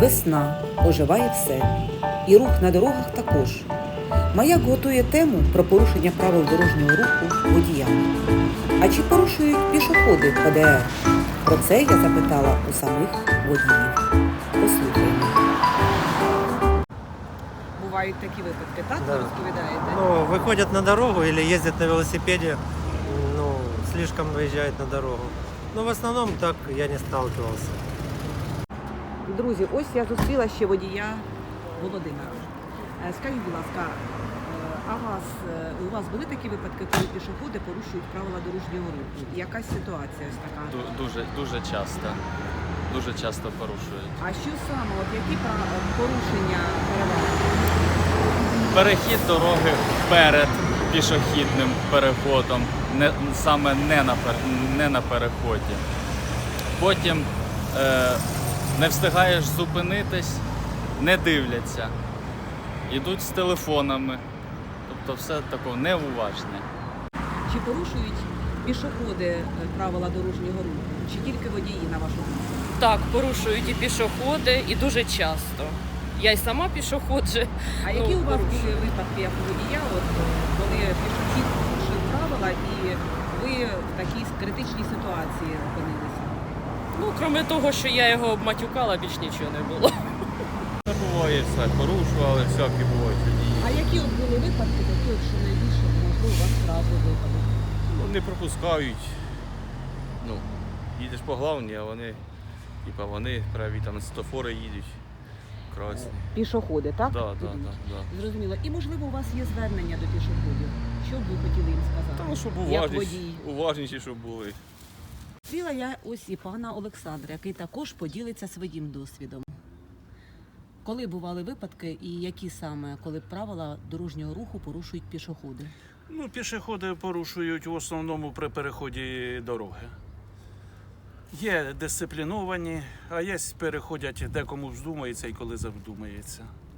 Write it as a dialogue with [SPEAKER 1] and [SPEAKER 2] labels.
[SPEAKER 1] Весна, оживає все. І рух на дорогах також. Маяк готує тему про порушення правил дорожнього руху водіями. А чи порушують пішоходи ПДР? Про це я запитала у самих водіїв. Послухаймо. Бувають такі випадки, так?
[SPEAKER 2] Да.
[SPEAKER 1] Ви розповідаєте?
[SPEAKER 2] Ну, выходят на дорогу или ездят на велосипеде, ну, слишком выезжают на дорогу. Но в основном так я не сталкивался.
[SPEAKER 1] Друзі, ось я зустріла ще водія Володимира. Скажіть, будь ласка, у вас були такі випадки, коли пішоходи порушують правила дорожнього руху? Якась ситуація ось така?
[SPEAKER 3] Дуже часто. Дуже часто порушують.
[SPEAKER 1] А що саме? От які порушення переважають?
[SPEAKER 3] Перехід дороги перед пішохідним переходом, саме не на переході. Потім не встигаєш зупинитись, не дивляться. Йдуть з телефонами. Тобто все таке неуважне.
[SPEAKER 1] Чи порушують пішоходи правила дорожнього руху? Чи тільки водії, на вашу думку?
[SPEAKER 4] Так, порушують і пішоходи, і дуже часто. Я й сама пішоходжу.
[SPEAKER 1] А які у вас
[SPEAKER 4] порушую.
[SPEAKER 1] були випадки, як у водія, коли пішохід порушив правила і ви в такій критичній ситуації опинилися?
[SPEAKER 4] Ну, крім того, що я його обматюкала, більш нічого не було.
[SPEAKER 5] Буває все, порушували, всякі бувають водії.
[SPEAKER 1] А які от були випадки, такі от, що найбільше, можливо, у вас одразу випадок?
[SPEAKER 5] Ну, не пропускають. Ну, їдеш по главній, а вони праві там світлофори їдуть. Красні.
[SPEAKER 1] Пішоходи, так?
[SPEAKER 5] Да.
[SPEAKER 1] Зрозуміло. І, можливо, у вас є звернення до пішоходів. Що б ви хотіли їм сказати?
[SPEAKER 5] Та ну, щоб
[SPEAKER 1] Як водій.
[SPEAKER 5] уважніші, щоб були.
[SPEAKER 1] Зустріла я ось і пана Олександра, який також поділиться своїм досвідом. Коли бували випадки і які саме, коли правила дорожнього руху порушують пішоходи?
[SPEAKER 6] Ну, пішоходи порушують в основному при переході дороги. Є дисципліновані, а є переходять декому вздумається і коли завдумається.